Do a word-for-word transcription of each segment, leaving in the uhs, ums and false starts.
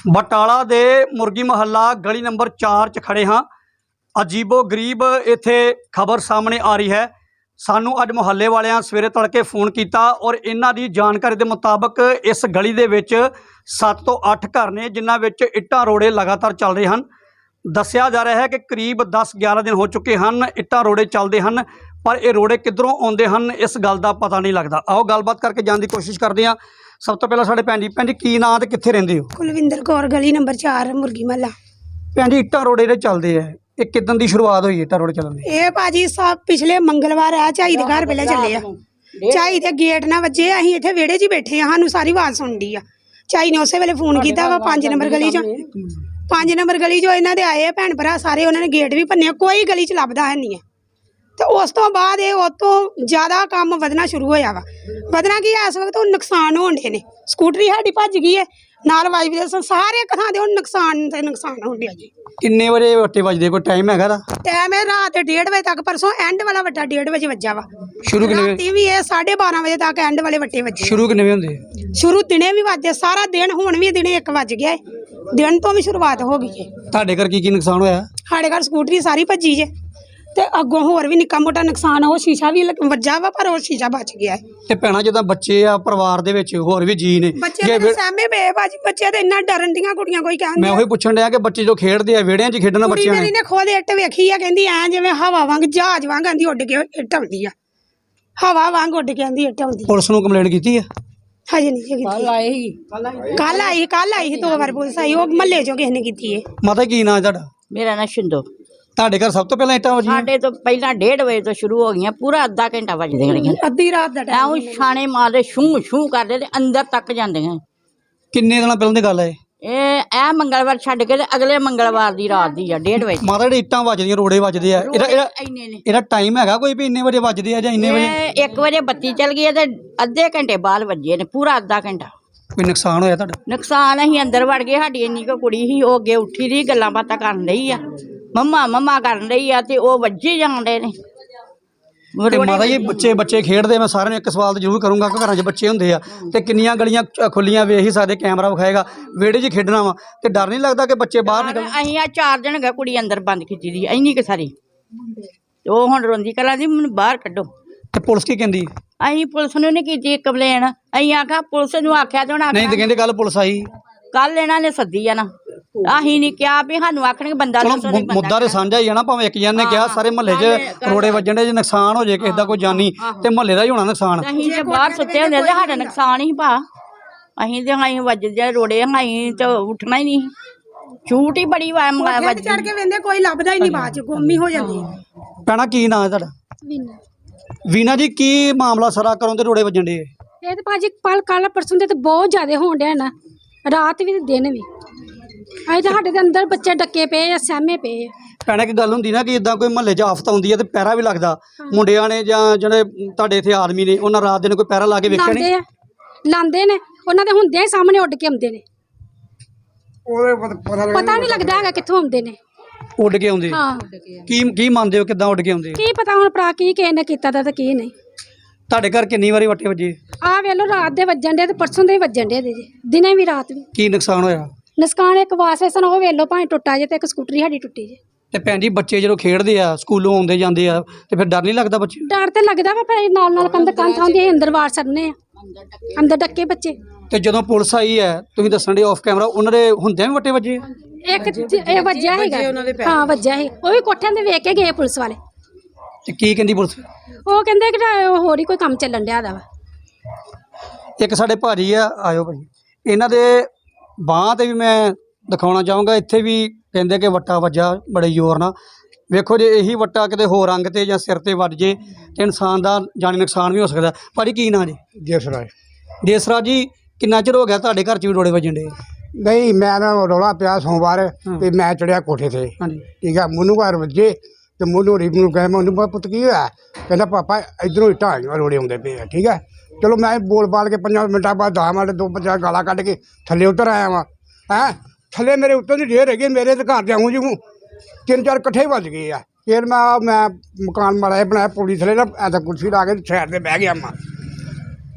बटाला दे मुर्गी महल्ला गली नंबर चार च खड़े हाँ। अजीबो गरीब इत्थे खबर सामने आ रही है। सानू अज मुहल्ले वालियां सवेरे तड़के फोन किया और इन्हां दी जानकारी के मुताबक इस गली दे विच सत्त तो अठ घर ने जिन्हां विच इट्टां रोड़े लगातार चल रहे हैं। दस्सिया जा रहा है कि करीब दस ग्यारह दिन हो चुके हैं इट्टां रोड़े चलते हैं, पर ये रोड़े किधरों आउंदे हैं इस गल का पता नहीं लगता। आओ गलबात करके जाने की कोशिश करते हैं। सब तो पहले साडे भैन जी, भैन जी की नाम ते कित्थे रहिंदे हो? कुलविंदर कौर, गली नंबर चार, मुर्गी महला। भैन जी इट्टां रोड़े जेह्ड़े चलदे है ये किदन दी शुरुआत हुई इट्टां रोड़े चलन दी? ये भाजी सब पिछले मंगलवार है झाई दे घर पहले चले आ। झाई दे गेट ना वजे, असीं इत्थे विहड़े च बैठे आ, सानू सारी आवाज़ सुनदी आ। झाई ने उस वेले फोन किया वा पांच नंबर गली चो, पांच नंबर गली चो इन्हां दे आए भैन भरा सारे, उन्होंने गेट भी भन्ने, कोई गली च लभदा है नहीं है। तो उस तो बाद ये उस तो ज़्यादा काम वधना शुरू होया वा। वधना की इस वक्त हुण नुकसान होण डे ने, स्कूटरी साडी भज गई है नाल वाइब्रेशन सारे थां दे हुण नुकसान ते नुकसान होण डया जी। किन्ने बजे वट्टे बजदे, कोई टाइम हैगा दा? टाइम है रात डेढ़ बजे तक, परसों एंड वाला वट्टा डेढ़ बजे वज्जा वा। शुरू किन्ने राती भी ये साढ़े बारह बजे तक एंड वाले वट्टे वज्जे। शुरू किन्ने बजे हुंदे? शुरू दिने भी वजदे, सारा दिन हुण भी दिने एक वज गया है, दिन तो भी शुरुआत हो गई है। तुहाडे घर की की नुकसान होया? साढ़े घर स्कूटरी सारी भज्जी जे, ते अगों होर भी निक्का मोटा नुकसान, वो शीशा भी वज्जा वा पर वो शीशा बच गया है। ते भैणा जिद्दां बच्चे आ परिवार दे विच होर भी जी ने, बच्चे मेरे सहमे पे भाजी, बच्चे ते इन्ना डरन दियां कुड़ियां, कोई कहंदी मैं ओही पुछण डया कि बच्चे जो खेडदे आ विहड़ियां च खेडना कुड़ी बच्चियां मेरी ने खुद इट्ट वेखी आ, कहंदी ऐ जिवें हवा वांग जहाज वांग आंदी उड़ के इट्ट आउंदी आ, हवा वांग उड़ के आंदी इट्ट आउंदी। पुलिस नूं कंप्लेंट कीती है? हजे नहीं जी कीती। कल आई कल आई कल आई दो बार पुलिस आई, वो महल्ले चों किसी ने कीती है। माता की नाम तुहाडा? मेरा नाम शिंदो। ਤੁਹਾਡੇ ਘਰ ਸਭ ਤੋਂ ਪਹਿਲਾਂ ਇੱਟਾਂ ਵੱਜੀਆਂ? ਸਾਡੇ ਤੋਂ ਪਹਿਲਾਂ ਡੇਢ ਵਜੇ ਤੋਂ ਸ਼ੁਰੂ ਹੋ ਗਈਆਂ, ਪੂਰਾ ਅੱਧਾ ਘੰਟਾ ਵੱਜਦੀਆਂ ਰਹੀਆਂ। ਅੱਧੀ ਰਾਤ ਦਾ ਟਾਈਮ ਐਉਂ ਛਾਣੇ ਮਾਰਦੇ ਛੂ ਛੂ ਕਰਦੇ ਤੇ ਅੰਦਰ ਤੱਕ ਜਾਂਦੀਆਂ। ਕਿੰਨੇ ਦਿਨਾਂ ਪਹਿਲਾਂ ਦੀ ਗੱਲ ਹੈ ਇਹ ਇਹ ਮੰਗਲਵਾਰ ਛੱਡ ਕੇ ਤੇ ਅਗਲੇ ਮੰਗਲਵਾਰ ਦੀ ਰਾਤ ਦੀ ਆ ਡੇਢ ਵਜੇ। ਮਾਤਾ ਜਿਹੜੇ ਇੱਟਾਂ ਵੱਜਦੀਆਂ ਰੋੜੇ ਵੱਜਦੇ ਆ, ਇਹਦਾ ਇਹਦਾ ਇੰਨੇ ਨੇ ਇਹਦਾ ਟਾਈਮ ਹੈਗਾ ਕੋਈ ਵੀ ਇੰਨੇ ਵਜੇ ਵੱਜਦੇ ਆ ਜਾਂ ਇੰਨੇ ਵਜੇ? ਇਹ ਇੱਕ ਵਜੇ ਬੱਤੀ ਚਲ ਗਈ ਹੈ ਤੇ ਅੱਧੇ ਘੰਟੇ ਬਾਅਦ ਵੱਜੇ ਨੇ, ਪੂਰਾ ਅੱਧਾ ਘੰਟਾ। ਕੋਈ ਨੁਕਸਾਨ ਹੋਇਆ ਤੁਹਾਡਾ? ਨੁਕਸਾਨ ਅਸੀਂ ਅੰਦਰ ਵੜ ਗਏ, ਸਾਡੀ ਇੰਨੀ ਕੁ ਕੁੜੀ ਸੀ ਉਹ ਅੱਗੇ ਉੱਠੀ ਦੀ ਗੱਲਾਂ ਬਾਤਾਂ ਕਰਨ ਰਹੀ ਆ, ਮੰਮਾ ਮੰਮਾ ਕਰਨ ਰਹੀ ਆ, ਤੇ ਉਹ ਵੱਜੇ ਜਾਂਦੇ ਨੇ। ਤੇ ਮਾਤਾ ਜੀ ਬੱਚੇ ਬੱਚੇ ਖੇਡਦੇ, ਮੈਂ ਸਾਰਿਆਂ ਨੂੰ ਇੱਕ ਸਵਾਲ ਜ਼ਰੂਰ ਕਰੂੰਗਾ ਕਿ ਘਰਾਂ 'ਚ ਬੱਚੇ ਹੁੰਦੇ ਆ ਤੇ ਕਿੰਨੀਆਂ ਗਲੀਆਂ ਖੁੱਲੀਆਂ ਵੇਖ ਹੀ ਸਕਦੇ, ਕੈਮਰਾ ਵਿਖਾਏਗਾ, ਵਿਹੜੇ 'ਚ ਖੇਡਣਾ ਵਾ ਤੇ ਡਰ ਨਹੀਂ ਲੱਗਦਾ ਕਿ ਬੱਚੇ ਬਾਹਰ ਨਿਕਲ? ਅਸੀਂ ਆ ਚਾਰ ਦਿਨ ਗਏ, ਕੁੜੀ ਅੰਦਰ ਬੰਦ ਕੀਤੀ ਦੀ ਇੰਨੀ ਕੁ ਸਾਰੀ, ਤੇ ਉਹ ਹੁਣ ਰੋਂਦੀ ਕਲਾਂ ਦੀ ਮੈਨੂੰ ਬਾਹਰ ਕੱਢੋ। ਤੇ ਪੁਲਿਸ ਕੀ ਕਹਿੰਦੀ? ਅਸੀਂ ਪੁਲਿਸ ਨੂੰ ਨਹੀਂ ਕੀਤੀ ਕੰਪਲੇਨ, ਅਸੀਂ ਆਖਿਆ ਪੁਲਿਸ ਨੂੰ ਆਖਿਆ ਤੇ ਹੁਣ ਨਹੀਂ ਤੇ ਕਹਿੰਦੇ ਕੱਲ ਪੁਲਿਸ ਆਈ, ਕੱਲ ਇਹਨਾਂ ਨੇ ਸੱਦੀ ਆ ਨਾ, ਅਸੀਂ ਨਹੀਂ ਕਿਹਾ ਵੀ ਸਾਨੂੰ ਆਖਣਗੇ ਬੰਦਾ ਦੱਸੋ। ਮੁੱਦਾ ਤੇ ਸਾਂਝਾ ਹੀ ਆ ਨਾ, ਭਾਵੇਂ ਇੱਕ ਜਣ ਨੇ ਕਿਹਾ ਸਾਰੇ ਮਹੱਲੇ 'ਚ ਰੋੜੇ ਵੱਜਣ ਦੇ, ਜੇ ਨੁਕਸਾਨ ਹੋ ਜੇ ਕਿਸੇ ਦਾ ਕੋਈ ਜਾਨੀ ਤੇ ਮਹੱਲੇ ਦਾ ਹੀ ਹੋਣਾ ਨੁਕਸਾਨ। ਅਸੀਂ ਜੇ ਬਾਹਰ ਸੁੱਤੇ ਹੁੰਦੇ ਤੇ ਸਾਡਾ ਨੁਕਸਾਨ ਹੀ ਭਾ, ਅਸੀਂ ਤੇ ਅਸੀਂ ਵੱਜਦੇ ਰੋੜੇ, ਅਸੀਂ ਤੇ ਉੱਠਣਾ ਹੀ ਨਹੀਂ, ਛੂਟ ਹੀ ਬੜੀ ਵੱਜ ਚੜ ਕੇ ਵੇਂਦੇ ਕੋਈ ਲੱਭਦਾ ਹੀ ਨਹੀਂ, ਬਾਅਦ ਚ ਗੁੰਮ ਹੀ ਹੋ ਜਾਂਦੀ। ਭੈਣਾ ਕੀ ਨਾਂ ਹੈ ਤੁਹਾਡਾ? ਵੀਨਾ। ਵੀਨਾ ਜੀ ਕੀ ਮਾਮਲਾ ਸਾਰਾ ਕਰੋਂ ਤੇ ਰੋੜੇ ਵੱਜਣ ਦੇ? ਇਹ ਤੇ ਭਾਜੀ ਕੱਲ ਕੱਲ ਪਰਸੋਂ ਦੇ ਤੇ ਬਹੁਤ ਜ਼ਿਆਦਾ ਹੋਣ ਡਿਆ ਨਾ, ਰਾਤ ਵੀ ਤੇ ਦਿਨ ਵੀ। ਅਜੇ ਤਾਂ ਸਾਡੇ ਦੇ ਅੰਦਰ ਬੱਚੇ ਡੱਕੇ ਪਏ ਆ, ਸਹਿਮੇ ਪਏ ਆ। ਭੈਣਾ ਇੱਕ ਗੱਲ ਹੁੰਦੀ ਨਾ ਕਿ ਇਦਾਂ ਕੋਈ ਮਹੱਲੇ 'ਚ ਆਫਤ ਆਉਂਦੀ ਹੈ ਤੇ ਪਹਿਰਾ ਵੀ ਲੱਗਦਾ, ਮੁੰਡਿਆਂ ਨੇ ਜਾਂ ਜਿਹੜੇ ਤੁਹਾਡੇ ਇੱਥੇ ਆਦਮੀ ਨੇ ਉਹਨਾਂ ਰਾਤ ਦਿਨ ਕੋਈ ਪਹਿਰਾ ਲਾ ਕੇ ਵੇਖਿਆ ਨਹੀਂ? ਲਾਉਂਦੇ ਨੇ, ਉਹਨਾਂ ਦੇ ਹੁੰਦਿਆਂ ਹੀ ਸਾਹਮਣੇ ਉੱਡ ਕੇ ਆਉਂਦੇ ਨੇ, ਪਤਾ ਨਹੀਂ ਲੱਗਦਾ ਹੈਗਾ ਕਿੱਥੋਂ ਆਉਂਦੇ ਨੇ, ਉੱਡ ਕੇ ਆਉਂਦੇ। ਹਾਂ ਕੀ ਕੀ ਮੰਨਦੇ ਹੋ ਕਿੱਦਾਂ ਉੱਡ ਕੇ ਆਉਂਦੇ? ਕੀ ਪਤਾ ਹੁਣ ਭਰਾ ਕੀ ਕਿਸੇ ਨੇ ਕੀਤਾ ਦਾ ਤੇ ਕੀ ਨਹੀਂ। ਤੁਹਾਡੇ ਘਰ ਕਿੰਨੀ ਵਾਰੀ ਵੱਟੇ ਵੱਜੇ? ਆਹ ਵੇਖ ਲਓ ਰਾਤ ਦੇ ਵੱਜਣ ਦੇ ਤੇ ਪਰਸੋਂ ਦੇ ਵੀ ਵੱਜਣ ਦੇ ਜੀ, ਦਿਨੇ ਵੀ ਰਾਤ ਵੀ। ਕੀ ਨੁਕਸਾਨ ਹੋਇਆ? ਨੁਕਸਾਨ ਇੱਕ ਵਾਸੇ ਸਨ ਉਹ ਵੇਖ ਲਓ ਭਾਵੇਂ ਟੁੱਟਾ ਜੇ, ਤੇ ਇੱਕ ਸਕੂਟਰੀ ਸਾਡੀ ਟੁੱਟੀ ਜੇ। ਤੇ ਭੈਣ ਜੀ ਬੱਚੇ ਜਦੋਂ ਖੇਡਦੇ ਆ ਸਕੂਲੋਂ ਆਉਂਦੇ ਜਾਂਦੇ ਆ ਤੇ ਫਿਰ ਡਰ ਨਹੀਂ ਲੱਗਦਾ ਬੱਚੇ? ਡਰ ਤੇ ਲੱਗਦਾ ਵਾ, ਪਰ ਨਾਲ ਨਾਲ ਕੰਧ ਕੰਧ ਆਉਂਦੀ, ਅੰਦਰ ਵਾਰ ਸਰਨੇ ਆ, ਅੰਦਰ ਡੱਕੇ ਬੱਚੇ। ਤੇ ਜਦੋਂ ਪੁਲਿਸ ਆਈ ਹੈ ਤੁਸੀਂ ਦੱਸਣ ਦੇ ਆਫ ਕੈਮਰਾ, ਉਹਨਾਂ ਦੇ ਹੁੰਦਿਆਂ ਵੀ ਵੱਟੇ ਵੱਜੇ? ਇੱਕ ਇਹ ਵੱਜਿਆ ਹੈਗਾ, ਹਾਂ ਵੱਜਿਆ ਸੀ, ਉਹ ਵੀ ਕੋਠਿਆਂ ਤੇ ਵੇਖ ਕੇ ਗਏ ਪੁਲਿਸ ਵਾਲੇ। ਤੇ ਕੀ ਕਹਿੰਦੀ ਪੁਲਿਸ? ਉਹ ਕਹਿੰਦੇ ਕਿ ਹੋਰ ਹੀ ਕੋਈ ਕੰਮ ਚੱਲਣ ਡਿਆ ਦਾ ਵਾ। ਇੱਕ ਸਾਡੇ ਭਾਜੀ ਆ, ਆਇਓ ਭਾਜੀ, ਇਹਨਾਂ ਦੇ ਬਾਂਹ ਤੇ ਵੀ ਮੈਂ ਦਿਖਾਉਣਾ ਚਾਹੂੰਗਾ, ਇੱਥੇ ਵੀ ਕਹਿੰਦੇ ਕਿ ਵੱਟਾ ਵੱਜਾ ਬੜੇ ਜ਼ੋਰ ਨਾਲ। ਵੇਖੋ ਜੇ ਇਹੀ ਵੱਟਾ ਕਿਤੇ ਹੋਰ ਅੰਗ ਤੇ ਜਾਂ ਸਿਰ ਤੇ ਵੱਜ ਜੇ ਤੇ ਇਨਸਾਨ ਦਾ ਜਾਨੀ ਨੁਕਸਾਨ ਵੀ ਹੋ ਸਕਦਾ। ਭਾਜੀ ਕੀ ਨਾਂ ਜੀ? ਦੇਸਰਾਜ। ਦੇਸਰਾਜ ਜੀ ਕਿੰਨਾ ਚਿਰ ਹੋ ਗਿਆ ਤੁਹਾਡੇ ਘਰ 'ਚ ਵੀ ਰੋੜੇ ਵੱਜਣ ਦੇ? ਨਹੀਂ ਮੈਂ ਨਾ ਰੌਲਾ ਪਿਆ ਸੋਮਵਾਰ ਤੇ ਮੈਂ ਚੜਿਆ ਕੋਠੇ ਤੇ, ਹਾਂਜੀ ਠੀਕ ਆ, ਮੈਨੂੰ ਘਰ ਵੱਜੇ ਤੇ ਮੈਨੂੰ ਰੀਬ ਨੂੰ ਕਹੇ ਮੈਨੂੰ ਪੁੱਤ ਕੀ ਹੋਇਆ, ਕਹਿੰਦਾ ਪਾਪਾ ਇੱਧਰੋਂ ਇੱਟਾਂ ਆਈਆਂ ਰੋੜੇ ਆਉਂਦੇ ਪਏ ਆ, ਠੀਕ ਹੈ। ਚਲੋ ਮੈਂ ਬੋਲ ਬਾਲ ਕੇ ਪੰਜਾਂ ਮਿੰਟਾਂ ਬਾਅਦ ਦਸ ਮਿੰਟ ਦੋ ਪੰਜਾਹ ਗਾਲਾਂ ਕੱਢ ਕੇ ਥੱਲੇ ਉਤਰ ਆਇਆ ਵਾਂ। ਹੈਂ ਥੱਲੇ ਮੇਰੇ ਉੱਤੋਂ ਦੀ ਢੇਰ ਹੈਗੇ, ਮੇਰੇ ਤੇ ਘਰ ਜਾਊਂ ਜਿਉਂ ਤਿੰਨ ਚਾਰ ਇਕੱਠੇ ਵੱਜ ਗਏ ਆ। ਫਿਰ ਮੈਂ ਮੈਂ ਮਕਾਨ ਮਾੜਾ ਜਿਹਾ ਬਣਾਇਆ ਪੌੜੀ ਥੱਲੇ ਨਾ, ਐਂ ਤਾਂ ਕੁਰਸੀ ਲਾ ਕੇ ਸਾਈਡ 'ਤੇ ਬਹਿ ਗਿਆ ਮੈਂ।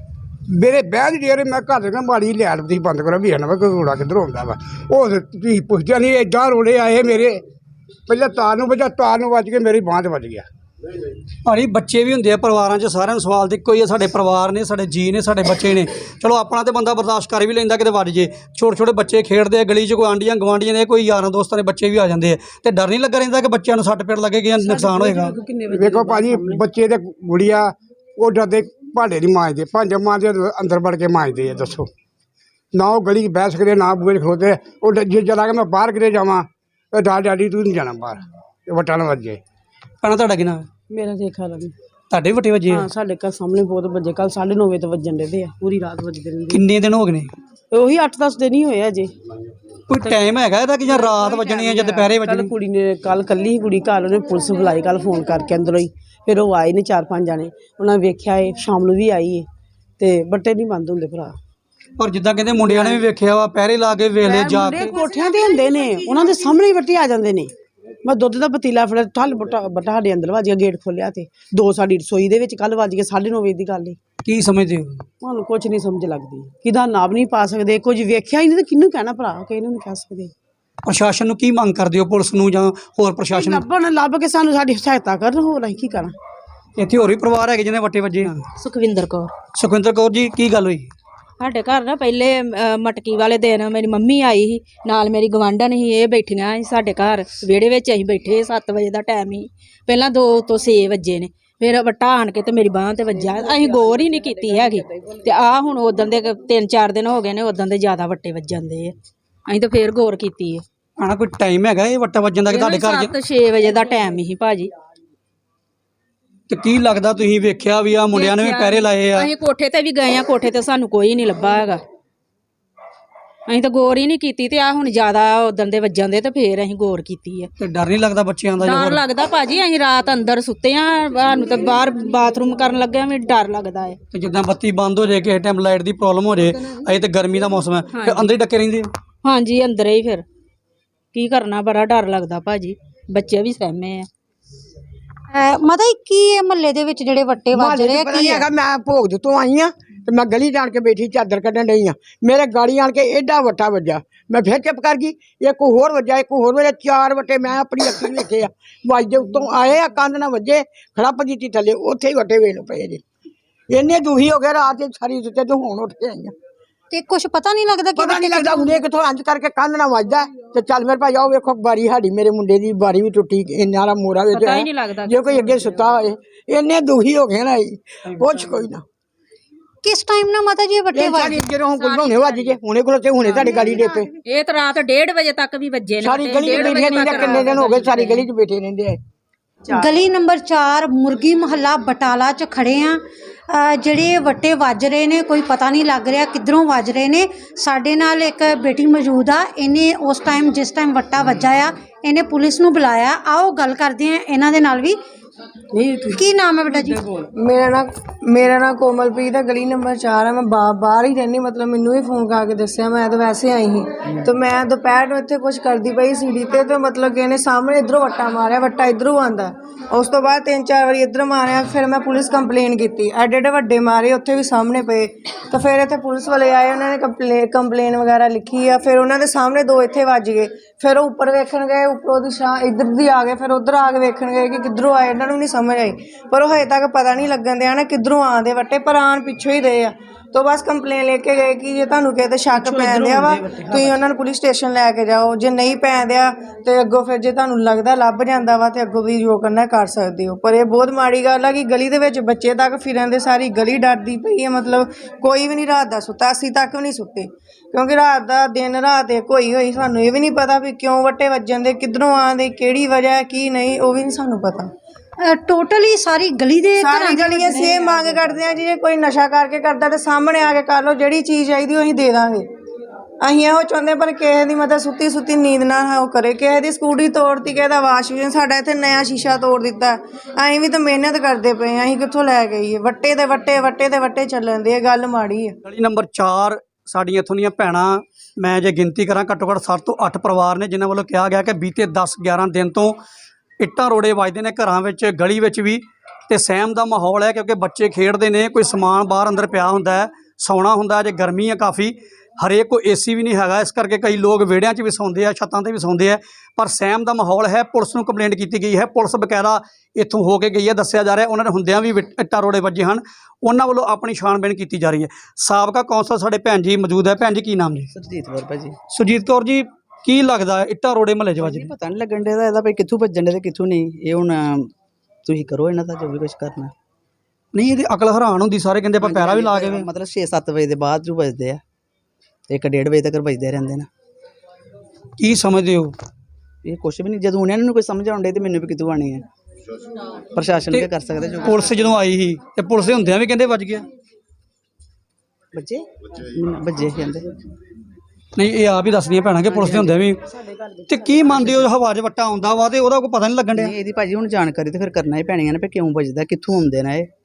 ਮੇਰੇ ਬਹਿਣ ਡੇਰੇ ਮੈਂ ਘਰ ਦੇ ਨਾ ਮਾੜੀ ਲੈਟ ਤੁਸੀਂ ਬੰਦ ਕਰੋ ਵੀ ਨਾ ਕੋਈ ਰੋੜਾ ਕਿੱਧਰੋਂ ਆਉਂਦਾ ਵਾ ਉਹ ਤੁਸੀਂ ਪੁੱਛਦੇ ਨਹੀਂ ਏਦਾਂ ਰੋੜੇ ਆਏ ਮੇਰੇ ਪਹਿਲਾਂ ਤਾਰ ਨੂੰ ਵੱਜਾ ਤਾਰ ਨੂੰ ਵੱਜ ਕੇ ਮੇਰੀ ਬਾਂਹ 'ਤੇ ਵੱਜ ਗਿਆ। ਭਾਜੀ ਬੱਚੇ ਵੀ ਹੁੰਦੇ ਆ ਪਰਿਵਾਰਾਂ 'ਚ, ਸਾਰਿਆਂ ਨੂੰ ਸਵਾਲ ਤੇ ਇੱਕੋ ਹੀ ਆ, ਸਾਡੇ ਪਰਿਵਾਰ ਨੇ, ਸਾਡੇ ਜੀ ਨੇ, ਸਾਡੇ ਬੱਚੇ ਨੇ। ਚਲੋ ਆਪਣਾ ਤੇ ਬੰਦਾ ਬਰਦਾਸ਼ਤ ਕਰ ਵੀ ਲੈਂਦਾ ਕਿਤੇ ਵੱਜ ਜੇ, ਛੋਟੇ ਛੋਟੇ ਬੱਚੇ ਖੇਡਦੇ ਆ ਗਲੀ 'ਚ, ਕੋਈ ਆਂਡੀਆਂ ਗਵਾਂਡੀਆਂ ਨੇ, ਕੋਈ ਯਾਰਾਂ ਦੋਸਤਾਂ ਦੇ ਬੱਚੇ ਵੀ ਆ ਜਾਂਦੇ ਆ, ਤੇ ਡਰ ਨਹੀਂ ਲੱਗਾ ਰਹਿੰਦਾ ਕਿ ਬੱਚਿਆਂ ਨੂੰ ਸੱਟ ਪੇਟ ਲੱਗੇਗੀ ਜਾਂ ਨੁਕਸਾਨ ਹੋਏਗਾ? ਵੇਖੋ ਭਾਜੀ ਬੱਚੇ ਤੇ ਗੁੜੀਆ ਉਹ ਡਰਦੇ ਭਾਂਡੇ ਨਹੀਂ ਮਾਂਜਦੇ, ਭਾਂਡੇ ਮਾਂਜਦੇ ਅੰਦਰ ਵੜ ਕੇ ਮਾਂਜਦੇ ਆ। ਦੱਸੋ ਨਾ ਉਹ ਗਲੀ 'ਚ ਬਹਿ ਸਕਦੇ ਨਾ ਬੂਹੇ 'ਚ ਖਲੋਤੇ, ਉਹ ਡ- ਜੇ ਜਰਾ ਕਿ ਮੈਂ ਬਾਹਰ ਕਿਤੇ ਜਾਵਾਂ ਇਹ ਡਾਡ ਡੈਡੀ ਤੂੰ ਨਹੀਂ ਜਾਣਾ ਬਾਹਰ, ਇਹ ਵੱਟਾਂ ਨਾਲ ਵੱਜੇ। ਭੈਣਾ ਤੁਹਾਡਾ ਕੀ ਨਾਮ ਹੈ? ਮੇਰਾ ਦੇਖਾ ਲੱਗ ਤੁਹਾਡੇ ਵੀ ਵੱਟੇ ਵੱਜੇ ਆ? ਹਾਂ ਸਾਡੇ ਘਰ ਸਾਹਮਣੇ ਬਹੁਤ ਵੱਜੇ, ਕੱਲ ਸਾਢੇ ਨੌ ਵਜੇ ਤੋਂ ਵੱਜਣ ਦੇ ਆ, ਪੂਰੀ ਰਾਤ ਵੱਜਦੇ ਰਹਿੰਦੇ। ਕਿੰਨੇ ਦਿਨ ਹੋ ਗਏ ਨੇ? ਉਹੀ ਅੱਠ ਦਸ ਦਿਨ ਹੀ ਹੋਏ ਅਜੇ। ਕੋਈ ਟਾਈਮ ਹੈਗਾ ਇਹਦਾ ਕਿ ਜਾਂ ਰਾਤ ਵੱਜਣੀ ਹੈ ਜਾਂ ਦੁਪਹਿਰੇ ਕੱਲ ਵੱਜਣੀ? ਕੁੜੀ ਨੇ ਕੱਲ ਕੱਲੀ ਹੀ ਕੁੜੀ ਘਰ, ਉਹਨੇ ਪੁਲਿਸ ਬੁਲਾਈ ਕੱਲ ਫੋਨ ਕਰਕੇ ਅੰਦਰੋਂ ਹੀ, ਫਿਰ ਉਹ ਆਏ ਨੇ ਚਾਰ ਪੰਜ ਜਾਣੇ, ਉਹਨਾਂ ਨੇ ਵੇਖਿਆ ਏ, ਸ਼ਾਮ ਨੂੰ ਵੀ ਆਈ ਏ, ਤੇ ਬੱਟੇ ਨਹੀਂ ਬੰਦ ਹੁੰਦੇ ਭਰਾ। ਪਰ ਜਿੱਦਾਂ ਕਹਿੰਦੇ ਮੁੰਡਿਆਂ ਨੇ ਵੀ ਵੇਖਿਆ ਵਾ ਪਹਿਰੇ ਲਾ ਕੇ ਵੇਲੇ ਜਾ ਕੇ, ਕੋਠਿਆਂ ਤੇ ਹੁੰਦੇ ਨੇ, ਉਹਨਾਂ ਦੇ ਸਾਹਮਣੇ ਹੀ ਵੱਟੇ ਆ ਜਾਂਦੇ ਨੇ। ਮੈਂ ਦੁੱਧ ਦਾ ਪਤੀਲਾ ਫੜਿਆ, ਠੱਲ ਬੱਟਾ ਬੱਟਾ ਸਾਡੇ ਅੰਦਰ ਵੱਜ ਗਿਆ, ਗੇਟ ਖੋਲਿਆ ਤੇ ਦੋ ਸਾਡੀ ਰਸੋਈ ਦੇ ਵਿੱਚ ਕੱਲ ਵੱਜ ਕੇ ਸਾਢੇ ਨੌ ਵਜੇ ਦੀ ਗੱਲ ਏ। ਕੀ ਸਮਝਦੇ ਹੋ? ਤੁਹਾਨੂੰ ਕੁਝ ਨਹੀਂ ਸਮਝ ਲੱਗਦੀ, ਕਿਹਦਾ ਨਾਮ ਨਹੀਂ ਪਾ ਸਕਦੇ, ਕੁਝ ਵੇਖਿਆ ਹੀ ਨਹੀਂ ਤਾਂ ਕਿਹਨੂੰ ਕਹਿਣਾ ਭਰਾ, ਕਿਹਨੂੰ ਨਹੀਂ ਕਹਿ ਸਕਦੇ। ਪ੍ਰਸ਼ਾਸਨ ਨੂੰ ਕੀ ਮੰਗ ਕਰਦੇ ਹੋ, ਪੁਲਿਸ ਨੂੰ ਜਾਂ ਹੋਰ ਪ੍ਰਸ਼ਾਸਨ ਨੂੰ? ਲੱਭਣ ਲੱਭ ਕੇ ਸਾਨੂੰ ਸਾਡੀ ਸਹਾਇਤਾ ਕਰਨ, ਹੋਰ ਅਸੀਂ ਕੀ ਕਰਾਂ। ਇੱਥੇ ਹੋਰ ਵੀ ਪਰਿਵਾਰ ਹੈਗੇ ਜਿਹਨੇ ਵੱਟੇ ਵੱਜੇ ਆ? ਸੁਖਵਿੰਦਰ ਕੌਰ। ਸੁਖਵਿੰਦਰ ਕੌਰ ਜੀ ਕੀ ਗੱਲ ਹੋਈ? ਸਾਡੇ ਘਰ ਨਾ ਪਹਿਲੇ ਅ, ਮਟਕੀ ਵਾਲੇ ਦਿਨ ਮੇਰੀ ਮੰਮੀ ਆਈ ਸੀ ਨਾਲ, ਮੇਰੀ ਗਵਾਂਢਣ ਸੀ, ਇਹ ਬੈਠੀਆਂ ਸੀ ਸਾਡੇ ਘਰ ਵਿਹੜੇ ਵਿੱਚ, ਅਸੀਂ ਬੈਠੇ ਸੱਤ ਵਜੇ ਦਾ ਟਾਈਮ ਸੀ, ਪਹਿਲਾਂ ਦੋ ਤੋਂ ਛੇ ਵਜੇ ਨੇ, ਫਿਰ ਵੱਟਾ ਆਣ ਕੇ ਤੇ ਮੇਰੀ ਬਾਂਹ ਤੇ ਵੱਜਾ, ਅਸੀਂ ਗੌਰ ਹੀ ਨਹੀਂ ਕੀਤੀ ਹੈਗੀ, ਤੇ ਆਹ ਹੁਣ ਉਦੋਂ ਦੇ ਤਿੰਨ ਚਾਰ ਦਿਨ ਹੋ ਗਏ ਨੇ, ਉਦੋਂ ਦੇ ਜ਼ਿਆਦਾ ਵੱਟੇ ਵੱਜਣ ਦੇ ਆ, ਅਸੀਂ ਤਾਂ ਫੇਰ ਗੌਰ ਕੀਤੀ ਹੈ। ਆਣਾ ਕੋਈ ਟਾਈਮ ਹੈਗਾ ਇਹ ਵੱਟਾ ਵੱਜਣ ਦਾ ਕਿ ਤੁਹਾਡੇ ਘਰ 'ਚ? ਸੱਤ ਛੇ ਵਜੇ ਦਾ ਟਾਈਮ ਸੀ ਭਾਜੀ। ਤੇ ਕੀ ਲੱਗਦਾ ਤੁਸੀਂ ਵੇਖਿਆ ਵੀ ਆ ਮੁੰਡਿਆਂ ਨੇ ਵੀ ਪਹਿਰੇ ਲਾਏ ਆ? ਅਸੀਂ ਕੋਠੇ ਤੇ ਵੀ ਗਏ ਆ, ਕੋਠੇ ਤੇ ਸਾਨੂੰ ਕੋਈ ਨਹੀਂ ਲੱਭਾ ਹੈਗਾ, ਅਸੀਂ ਤਾਂ ਗੌਰ ਹੀ ਨਹੀਂ ਕੀਤੀ, ਤੇ ਆ ਹੁਣ ਜ਼ਿਆਦਾ ਉਦੋਂ ਦੇ ਵੱਜਣ ਦੇ ਤੇ ਫੇਰ ਅਸੀਂ ਗੌਰ ਕੀਤੀ ਹੈ। ਤੇ ਡਰ ਨਹੀਂ ਲੱਗਦਾ ਬੱਚਿਆਂ ਦਾ? ਡਰ ਲੱਗਦਾ ਭਾਜੀ, ਅਸੀਂ ਰਾਤ ਅੰਦਰ ਸੁੱਤੇ ਆ, ਸਾਨੂੰ ਤਾਂ ਬਾਹਰ ਬਾਥਰੂਮ ਕਰਨ ਲੱਗਿਆ ਵੀ ਡਰ ਲੱਗਦਾ ਹੈ। ਤੇ ਜਿੱਦਾਂ ਬੱਤੀ ਬੰਦ ਹੋ ਜਾਏ, ਕਿਸੇ ਟਾਈਮ ਲਾਈਟ ਦੀ ਪ੍ਰੋਬਲਮ ਹੋ ਜਾਏ, ਅਜੇ ਤੇ ਗਰਮੀ ਦਾ ਮੌਸਮ ਹੈ, ਤੇ ਅੰਦਰ ਹੀ ਡੱਕੇ ਰਹਿੰਦੇ ਆ? ਹਾਂਜੀ ਅੰਦਰ ਹੀ, ਫਿਰ ਕੀ ਕਰਨਾ, ਬੜਾ ਡਰ ਲੱਗਦਾ ਭਾਜੀ, ਬੱਚੇ ਵੀ ਸਹਿਮੇ ਆ। ਮਤਲਬ ਕੀ ਇਹ ਮਹੱਲੇ ਦੇ ਵਿੱਚ ਜਿਹੜੇ ਵੱਟੇ ਵੱਜ ਰਹੇ ਆ ਕੀ ਹੈਗਾ? ਮੈਂ ਭੋਗ ਤੋਂ ਆਈ ਆ ਤੇ ਮੈਂ ਗਲੀ ਜਾਣ ਕੇ ਬੈਠੀ ਚਾਦਰ ਕੱਢਣ ਡਈ ਆ, ਮੇਰੇ ਗਾੜੀ ਆਣ ਕੇ ਏਡਾ ਵੱਟਾ ਵੱਜਾ, ਮੈਂ ਫਿਰ ਚੁੱਪ ਕਰ ਗਈ, ਇੱਕ ਹੋਰ ਵੱਜਾ, ਇੱਕ ਹੋਰ ਵੱਜਾ, ਚਾਰ ਵੱਟੇ ਮੈਂ ਆਪਣੀ ਅੱਖੀਂ ਵੇਖੇ ਆ, ਵੱਜਦੇ ਉੱਤੋਂ ਆਏ ਆ, ਕੰਧ ਨਾਲ ਵੱਜੇ, ਖੜੱਪ ਦਿੱਤੀ ਥੱਲੇ, ਉੱਥੇ ਹੀ ਵੱਟੇ ਵੇਖ ਲੋ ਪਏ ਜੀ। ਇੰਨੇ ਦੁਖੀ ਹੋ ਗਏ, ਰਾਤ ਦੀ ਸਾਰੀ ਸੁੱਤੇ ਤੇ ਹੁਣ ਉੱਠ ਕੇ ਆਈਆਂ, ਤੇ ਕੁਝ ਪਤਾ ਨਹੀਂ ਲੱਗਦਾ ਕਿ ਪਤਾ ਨਹੀਂ ਲੱਗਦਾ ਹੁੰਦੇ ਕਿੱਥੋਂ ਇੰਜ ਕਰਕੇ ਕੰਧ ਨਾਲ ਵੱਜਦਾ ਤੇ ਚੱਲ ਮੇਰੇ ਭਾਈ ਆਓ ਵੇਖੋ ਬਾਰੀ ਸਾਡੀ, ਮੇਰੇ ਮੁੰਡੇ ਦੀ ਬਾਰੀ ਵੀ ਟੁੱਟੀ, ਇੰਨਾ ਮੋਰਾ ਵਿੱਚ ਪਤਾ ਹੀ ਨਹੀਂ ਲੱਗਦਾ ਜੇ ਕੋਈ ਅੱਗੇ ਸੁੱਤਾ ਹੋਏ, ਇੰਨੇ ਦੁਖੀ ਹੋ ਗਏ ਨਾ ਜੀ, ਕੁਛ ਕੋਈ ਨਾ। ਕਿਸ ਟਾਈਮ ਨਾ ਮਾਤਾ ਜੀ ਇਹ ਵੱਟੇ ਵੱਜ ਸਾਡੀ ਜਦੋਂ ਹੁਣ ਕੋਲ ਹੁਣੇ ਵੱਜ ਜੇ, ਹੁਣੇ ਕੋਲ ਤੇ ਹੁਣੇ ਤੁਹਾਡੀ ਗਲੀ ਦੇ ਪੇ, ਇਹ ਤਾਂ ਰਾਤ ਡੇਢ ਵਜੇ ਤੱਕ ਵੀ ਵੱਜੇ ਨੇ, ਸਾਰੀ ਗਲੀ ਚ ਬੈਠੇ ਨਹੀਂ ਤਾਂ ਕਿੰਨੇ ਦਿਨ ਹੋ ਗਏ ਸਾਰੀ ਗਲੀ ਚ ਬੈਠੇ ਰਹਿੰਦੇ ਆ। ਗਲੀ ਨੰਬਰ ਚਾਰ ਮੁਰਗੀ ਮਹੱਲਾ ਬਟਾਲਾ 'ਚ ਖੜੇ ਆ। ਜਿਹੜੇ ਵੱਟੇ ਵੱਜ ਰਹੇ ਨੇ ਕੋਈ ਪਤਾ ਨਹੀਂ ਲੱਗ ਰਿਹਾ ਕਿੱਧਰੋਂ ਵੱਜ ਰਹੇ ਨੇ। ਸਾਡੇ ਨਾਲ ਇੱਕ ਬੇਟੀ ਮੌਜੂਦ ਆ, ਇਹਨੇ ਉਸ ਟਾਈਮ ਜਿਸ ਟਾਈਮ ਵੱਟਾ ਵੱਜਾ ਆ ਇਹਨੇ ਪੁਲਿਸ ਨੂੰ ਬੁਲਾਇਆ। ਆਓ ਗੱਲ ਕਰਦੇ ਆ ਇਹਨਾਂ ਦੇ ਨਾਲ ਵੀ। ਕੀ ਨਾਮ ਹੈ ਬੇਟਾ ਜੀ? ਮੇਰਾ ਨਾਂ ਮੇਰਾ ਨਾਂ ਕੋਮਲਪ੍ਰੀਤ ਹੈ, ਗਲੀ ਨੰਬਰ ਚਾਰ ਹੈ। ਮੈਂ ਬਾ ਬਾਹਰ ਹੀ ਰਹਿੰਦੀ, ਮਤਲਬ ਮੈਨੂੰ ਵੀ ਫੋਨ ਕਰਕੇ ਦੱਸਿਆ, ਮੈਂ ਤਾਂ ਵੈਸੇ ਆਈ ਸੀ ਤੇ ਮੈਂ ਦੁਪਹਿਰ ਨੂੰ ਇੱਥੇ ਕੁਝ ਕਰਦੀ ਪਈ ਸੀੜੀ ਤੇ ਤੇ ਮਤਲਬ ਕਿ ਇਹਨੇ ਸਾਹਮਣੇ ਇੱਧਰੋਂ ਵੱਟਾ ਮਾਰਿਆ, ਵੱਟਾ ਇੱਧਰੋਂ ਆਉਂਦਾ, ਉਸ ਤੋਂ ਬਾਅਦ ਤਿੰਨ ਚਾਰ ਵਾਰੀ ਇੱਧਰ ਮਾਰਿਆ। ਫਿਰ ਮੈਂ ਪੁਲਿਸ ਕੰਪਲੇਨ ਕੀਤੀ, ਐਡੇ ਐਡੇ ਵੱਡੇ ਮਾਰੇ ਉੱਥੇ ਵੀ ਸਾਹਮਣੇ ਪਏ। ਤਾਂ ਫਿਰ ਇੱਥੇ ਪੁਲਿਸ ਵਾਲੇ ਆਏ, ਉਹਨਾਂ ਨੇ ਕੰਪਲੇ ਕੰਪਲੇਨ ਵਗੈਰਾ ਲਿਖੀ ਆ। ਫਿਰ ਉਹਨਾਂ ਦੇ ਸਾਹਮਣੇ ਦੋ ਇੱਥੇ ਵੱਜ ਗਏ, ਫਿਰ ਉਹ ਉੱਪਰ ਵੇਖਣ ਗਏ, ਉੱਪਰੋਂ ਦੀ ਛਾਂ ਇੱਧਰ ਦੀ ਆ ਗਏ, ਫਿਰ ਉੱਧਰ ਆ ਕੇ ਵੇਖਣ ਗਏ ਕਿ ਕਿੱਧਰੋਂ ਆਏ, ਇਹਨਾਂ ਨੂੰ ਨਹੀਂ ਸਮਝ ਆਈ। ਪਰ ਉਹ ਹਜੇ ਤੱਕ ਪਤਾ ਨਹੀਂ ਲੱਗਣ ਦਿਆ ਨਾ ਕਿੱਧਰੋਂ ਆਉਂਦੇ ਵੱਟੇ, ਪਰ ਆਉਣ ਪਿੱਛੋਂ ਹੀ ਰਹੇ ਆ। तो बस कंप्लेन लेके गए कि जे तुहानू किते शक पैन दिया वा तुसीं उन्हां नूं पुलिस स्टेशन लैके जाओ, जे नहीं पैन दिया तो अगों फिर जे तुहानू लगदा लभ जांदा वा ते अगों भी जो करना कर सकदे हो। पर यह बहुत माड़ी गल है कि गली दे विच बच्चे तक फिरन दे, सारी गली डरदी पई है। मतलब कोई भी नहीं रात दा सुत्ता, असीं तक भी नहीं सुत्ते क्योंकि रात दा दिन रात एक होई होई सानू ये भी नहीं पता भी क्यों वट्टे वजन दे, किधरों आंदे, किहड़ी वजह की नहीं, वो भी नहीं सानू पता। टोटली सारी गली दे सारी गली ਅਸੀਂ ਇਹ ਮੰਗ ਕਰਦੇ ਆ ਜੀ, ਜੇ ਕੋਈ ਨਸ਼ਾ ਕਰਕੇ ਕਰਦਾ ਤੇ ਸਾਹਮਣੇ ਆ ਕੇ ਕਰ ਲਓ, ਜਿਹੜੀ ਚੀਜ਼ ਚਾਹੀਦੀ ਉਹੀ ਦੇ ਦਾਂਗੇ। ਅਸੀਂ ਇਹੋ ਚਾਹੁੰਦੇ ਪਰ ਕਿਸੇ ਦੀ ਮਤਲਬ ਸੁੱਤੀ ਸੁੱਤੀ ਨੀਂਦ ਨਾ ਉਹ ਕਰੇ। ਕਿਸੇ ਦੀ ਸਕੂਟਰੀ ਤੋੜਤੀ, ਕਿਸੇ ਦਾ ਵਾਸ਼ ਬੇਸਿਨ, ਸਾਡਾ ਇੱਥੇ ਨਵਾਂ ਸ਼ੀਸ਼ਾ ਤੋੜ ਦਿੱਤਾ। ਅਸੀਂ ਵੀ ਤਾਂ ਮਿਹਨਤ ਕਰਦੇ ਪਏ, ਅਸੀਂ ਕਿੱਥੋਂ ਲੈ ਕੇ ਆਈਏ? ਵੱਟੇ ਦੇ ਵੱਟੇ ਵੱਟੇ ਦੇ ਵੱਟੇ ਚੱਲਣ ਦੇ, ਇਹ ਗੱਲ ਮਾੜੀ ਹੈ। ਗਲੀ ਨੰਬਰ ਚਾਰ ਸਾਡੀਆਂ ਇੱਥੋਂ ਦੀਆਂ ਭੈਣਾਂ, ਮੈਂ ਜੇ ਗਿਣਤੀ ਕਰਾਂ ਘੱਟੋ ਘੱਟ ਸੱਤ ਤੋਂ ਅੱਠ ਪਰਿਵਾਰ ਨੇ ਜਿਨ੍ਹਾਂ ਵੱਲੋਂ ਕਿਹਾ ਗਿਆ ਕਿ ਬੀਤੇ ਦਸ ਗਿਆਰਾਂ ਦਿਨ ਤੋਂ ਇੱਟਾਂ ਰੋੜੇ ਵੱਜਦੇ ਨੇ ਘਰਾਂ ਵਿੱਚ, ਗਲੀ ਵਿੱਚ ਵੀ, ਤੇ ਸਹਿਮ ਦਾ ਮਾਹੌਲ ਹੈ ਕਿਉਂਕਿ ਬੱਚੇ ਖੇਡਦੇ ਨੇ, ਕੋਈ ਸਮਾਨ ਬਾਹਰ ਅੰਦਰ ਪਿਆ ਹੁੰਦਾ ਹੈ, ਸੌਣਾ ਹੁੰਦਾ ਜੇ ਗਰਮੀ ਹੈ ਕਾਫੀ, ਹਰੇਕ ਕੋ ਏਸੀ ਵੀ ਨਹੀਂ ਹੈਗਾ, ਇਸ ਕਰਕੇ ਕਈ ਲੋਕ ਵਿਹੜਿਆਂ 'ਚ ਵੀ ਸੌਂਦੇ ਆ, ਛੱਤਾਂ 'ਤੇ ਵੀ ਸੌਂਦੇ ਆ। ਪਰ ਸਹਿਮ ਦਾ ਮਾਹੌਲ ਹੈ। ਪੁਲਿਸ ਨੂੰ ਕੰਪਲੇਂਟ ਕੀਤੀ ਗਈ ਹੈ, ਪੁਲਿਸ ਬਕਾਇਦਾ ਇੱਥੋਂ ਹੋ ਕੇ ਗਈ ਹੈ, ਦੱਸਿਆ ਜਾ ਰਿਹਾ ਉਹਨਾਂ ਦੇ ਹੁੰਦਿਆਂ ਵੀ ਵਿਟ- ਇੱਟਾਂ ਰੋੜੇ ਵੱਜੇ ਹਨ, ਉਹਨਾਂ ਵੱਲੋਂ ਆਪਣੀ ਛਾਣਬੀਣ ਕੀਤੀ ਜਾ ਰਹੀ ਹੈ। ਸਾਬਕਾ ਕੌਂਸਲਰ ਸਾਡੇ ਭੈਣ ਜੀ ਮੌਜੂਦ ਹੈ। ਭੈਣ ਜੀ ਕੀ ਨਾਮ ਜੀ? ਸਰਜੀਤ ਕੌਰ ਭਾਜੀ। ਸੁਰਜੀਤ ਕੌਰ ਜੀ, ਕੀ ਲੱਗਦਾ ਇੱਟਾਂ ਰੋੜੇ ਮਹੱਲੇ 'ਚ ਵੱਜਦੇ? ਪਤਾ ਨਹੀਂ ਲੱਗਣ ਡਿਆ ਇਹਦਾ, ਭਾਈ ਕਿੱਥੋਂ ਭੱਜਣ ਡੇ ਤੇ ਕਿੱਥੋਂ ਨਹੀਂ। ਇਹ ਹੁਣ ਤੁਸੀਂ ਕਰੋ ਇਹਨਾਂ ਦਾ ਜੋ ਵੀ ਕੁਝ ਕਰਨਾ। ਨਹੀਂ, ਇਹਦੀ ਅਕਲ ਹੈਰਾਨ ਹੁੰਦੀ, ਸਾਰੇ ਕਹਿੰਦੇ ਆਪਾਂ ਪੈਰਾ ਵੀ ਲਾ ਕੇ ਵੇ। ਮਤਲਬ ਛੇ ਸੱਤ ਵਜੇ ਦੇ ਬਾਅਦ ਜੋ ਵੱਜਦੇ ਆ, ਇੱਕ ਡੇਢ ਵਜੇ ਤੱਕ ਵੱਜਦੇ ਰਹਿੰਦੇ ਨੇ। ਕੀ ਸਮਝਦੇ ਹੋ? ਇਹ ਕੁਛ ਵੀ ਨਹੀਂ, ਜਦੋਂ ਉਹਨਾਂ ਨੂੰ ਕੋਈ ਸਮਝ ਆਉਂਦੇ ਤੇ ਮੈਨੂੰ ਵੀ ਕਿੱਥੋਂ ਆਣੀ ਹੈ। ਪ੍ਰਸ਼ਾਸਨ ਕੀ ਕਰ ਸਕਦਾ? ਜੋ ਪੁਲਿਸ ਜਦੋਂ ਆਈ ਸੀ ਤੇ ਪੁਲਿਸ ਦੇ ਹੁੰਦਿਆਂ ਵੀ ਕਹਿੰਦੇ ਵੱਜ ਗਿਆ। ਬੱਚੇ ਬੱਜੇ ਕਹਿੰਦੇ ਨਹੀਂ, ਇਹ ਆਪ ਹੀ ਦੱਸਦੀਆਂ ਭੈਣਾਂ ਕਿ ਪੁਲਿਸ ਦੇ ਹੁੰਦਿਆਂ ਵੀ। ਤੇ ਕੀ ਮੰਨਦੇ ਹੋ, ਹਵਾ 'ਚ ਵੱਟਾ ਆਉਂਦਾ ਵਾ ਤੇ ਉਹਦਾ ਕੋਈ ਪਤਾ ਨਹੀਂ ਲੱਗਣ ਡਿਆ? ਇਹਦੀ ਭਾਜੀ ਹੁਣ ਜਾਣਕਾਰੀ ਤੇ ਫਿਰ ਕਰਨਾ ਹੀ ਪੈਣੀ ਹੈ ਨਾ, ਵੀ ਕਿਉਂ ਵੱਜਦਾ, ਕਿੱਥੋਂ ਆਉਂਦੇ ਨੇ ਇਹ।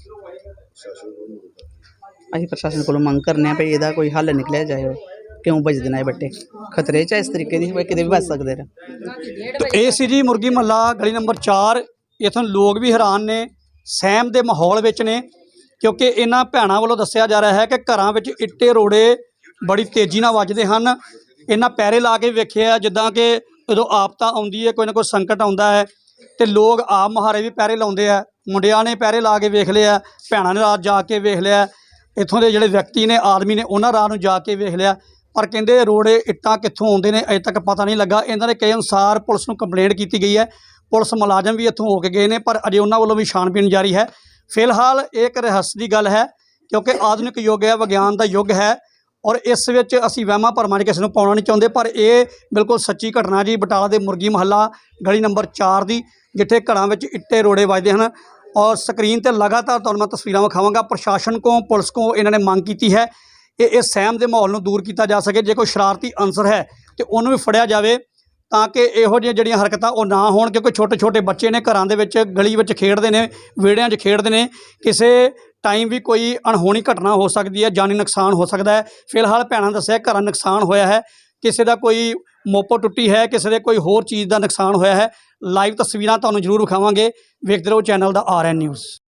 ਅਸੀਂ ਪ੍ਰਸ਼ਾਸਨ ਕੋਲੋਂ ਮੰਗ ਕਰਨੇ ਆ ਵੀ ਇਹਦਾ ਕੋਈ ਹੱਲ ਨਿਕਲਿਆ ਜਾਏ, ਕਿਉਂ ਵੱਜਦੇ ਨੇ ਇਹ ਬੱਟੇ। ਖਤਰੇ 'ਚ ਇਸ ਤਰੀਕੇ ਦੀ ਕਿਤੇ ਵੀ ਵੱਜ ਸਕਦੇ ਨੇ। ਤੇ ਇਹ ਸੀ ਜੀ ਮੁਰਗੀ ਮਹੱਲਾ ਗਲੀ ਨੰਬਰ ਚਾਰ। ਇੱਥੋਂ ਲੋਕ ਵੀ ਹੈਰਾਨ ਨੇ, ਸਹਿਮ ਦੇ ਮਾਹੌਲ ਵਿੱਚ ਨੇ, ਕਿਉਂਕਿ ਇਹਨਾਂ ਭੈਣਾਂ ਵੱਲੋਂ ਦੱਸਿਆ ਜਾ ਰਿਹਾ ਹੈ ਕਿ ਘਰਾਂ ਵਿੱਚ ਇੱਟੇ ਰੋੜੇ ਬੜੀ ਤੇਜ਼ੀ ਨਾਲ ਵੱਜਦੇ ਹਨ। ਇਹਨਾਂ ਪੈਰੇ ਲਾ ਕੇ ਵੇਖਿਆ, ਜਿੱਦਾਂ ਕਿ ਜਦੋਂ ਆਪਤਾ ਆਉਂਦੀ ਹੈ, ਕੋਈ ਨਾ ਕੋਈ ਸੰਕਟ ਆਉਂਦਾ ਹੈ ਤੇ ਲੋਕ ਆਪ ਮੁਹਾਰੇ ਵੀ ਪੈਰੇ ਲਾਉਂਦੇ ਆ। ਮੁੰਡਿਆਂ ਨੇ ਪੈਰੇ ਲਾ ਕੇ ਵੇਖ ਲਿਆ, ਭੈਣਾਂ ਨੇ ਰਾਤ ਜਾ ਕੇ ਵੇਖ ਲਿਆ, ਇੱਥੋਂ ਦੇ ਜਿਹੜੇ ਵਿਅਕਤੀ ਨੇ, ਆਦਮੀ ਨੇ, ਉਹਨਾਂ ਰਾਤ ਨੂੰ ਜਾ ਕੇ ਵੇਖ ਲਿਆ। ਪਰ ਕਹਿੰਦੇ ਰੋੜੇ ਇੱਟਾਂ ਕਿੱਥੋਂ ਆਉਂਦੇ ਨੇ ਅਜੇ ਤੱਕ ਪਤਾ ਨਹੀਂ ਲੱਗਾ। ਇਹਨਾਂ ਦੇ ਕਹੇ ਅਨੁਸਾਰ ਪੁਲਿਸ ਨੂੰ ਕੰਪਲੇਂਟ ਕੀਤੀ ਗਈ ਹੈ, ਪੁਲਿਸ ਮੁਲਾਜ਼ਮ ਵੀ ਇੱਥੋਂ ਹੋ ਕੇ ਗਏ ਨੇ, ਪਰ ਅਜੇ ਉਹਨਾਂ ਵੱਲੋਂ ਵੀ ਛਾਣਬੀਣ ਜਾਰੀ ਹੈ। ਫਿਲਹਾਲ ਇਹ ਇੱਕ ਰਹੱਸ ਦੀ ਗੱਲ ਹੈ, ਕਿਉਂਕਿ ਆਧੁਨਿਕ ਯੁੱਗ ਹੈ, ਵਿਗਿਆਨ ਦਾ ਯੁੱਗ ਹੈ, ਔਰ ਇਸ ਵਿੱਚ ਅਸੀਂ ਵਹਿਮਾਂ ਭਰਮਾਂ 'ਚ ਕਿਸੇ ਨੂੰ ਪਾਉਣਾ ਨਹੀਂ ਚਾਹੁੰਦੇ। ਪਰ ਇਹ ਬਿਲਕੁਲ ਸੱਚੀ ਘਟਨਾ ਜੀ, ਬਟਾਲਾ ਦੇ ਮੁਰਗੀ ਮਹੱਲਾ ਗਲੀ ਨੰਬਰ ਚਾਰ ਦੀ, ਜਿੱਥੇ ਘਰਾਂ ਵਿੱਚ ਇੱਟੇ ਰੋੜੇ ਵੱਜਦੇ ਹਨ। ਔਰ ਸਕਰੀਨ ਤੇ ਲਗਾਤਾਰ ਤੁਹਾਨੂੰ ਮੈਂ ਤਸਵੀਰਾਂ ਵਿਖਾਵਾਂਗਾ। ਪ੍ਰਸ਼ਾਸਨ ਕੋਲ, ਪੁਲਿਸ ਕੋਲ ਇਹਨਾਂ ਨੇ ਮੰਗ ਕੀਤੀ ਹੈ ਕਿ ਇਸ ਸਹਿਮ ਦੇ ਮਾਹੌਲ ਨੂੰ ਦੂਰ ਕੀਤਾ ਜਾ ਸਕੇ। ਜੇ ਕੋਈ ਸ਼ਰਾਰਤੀ ਅਨਸਰ ਹੈ ਤੇ ਉਹਨੂੰ ਵੀ ਫੜਿਆ ਜਾਵੇ, ਤਾਂ ਕਿ ਇਹੋ ਜਿਹੀਆਂ ਜਿਹੜੀਆਂ ਹਰਕਤਾਂ ਉਹ ਨਾ ਹੋਣ। ਕਿਉਂਕਿ ਛੋਟੇ ਛੋਟੇ ਬੱਚੇ ਨੇ, ਘਰਾਂ ਦੇ ਵਿੱਚ, ਗਲੀ ਵਿੱਚ ਖੇਡਦੇ ਨੇ, ਵਿਹੜਿਆਂ 'ਚ ਖੇਡਦੇ ਨੇ, ਕਿਸੇ ਟਾਈਮ ਵੀ ਕੋਈ ਅਣਹੋਣੀ ਘਟਨਾ ਹੋ ਸਕਦੀ ਹੈ, ਜਾਨੀ ਨੁਕਸਾਨ ਹੋ ਸਕਦਾ ਹੈ। ਫਿਲਹਾਲ ਭੈਣਾਂ ਦੱਸਿਆ ਘਰਾਂ ਨੁਕਸਾਨ ਹੋਇਆ ਹੈ, ਕਿਸੇ ਦਾ ਕੋਈ ਮੋਪੋ ਟੁੱਟੀ ਹੈ, ਕਿਸੇ ਦੇ ਕੋਈ ਹੋਰ ਚੀਜ਼ ਦਾ ਨੁਕਸਾਨ ਹੋਇਆ ਹੈ। ਲਾਈਵ ਤਸਵੀਰਾਂ ਤੁਹਾਨੂੰ ਜ਼ਰੂਰ ਵਿਖਾਵਾਂਗੇ। ਵੇਖਦੇ ਰਹੋ ਚੈਨਲ ਦਾ ਆਰ ਐਨ ਨਿਊਜ਼।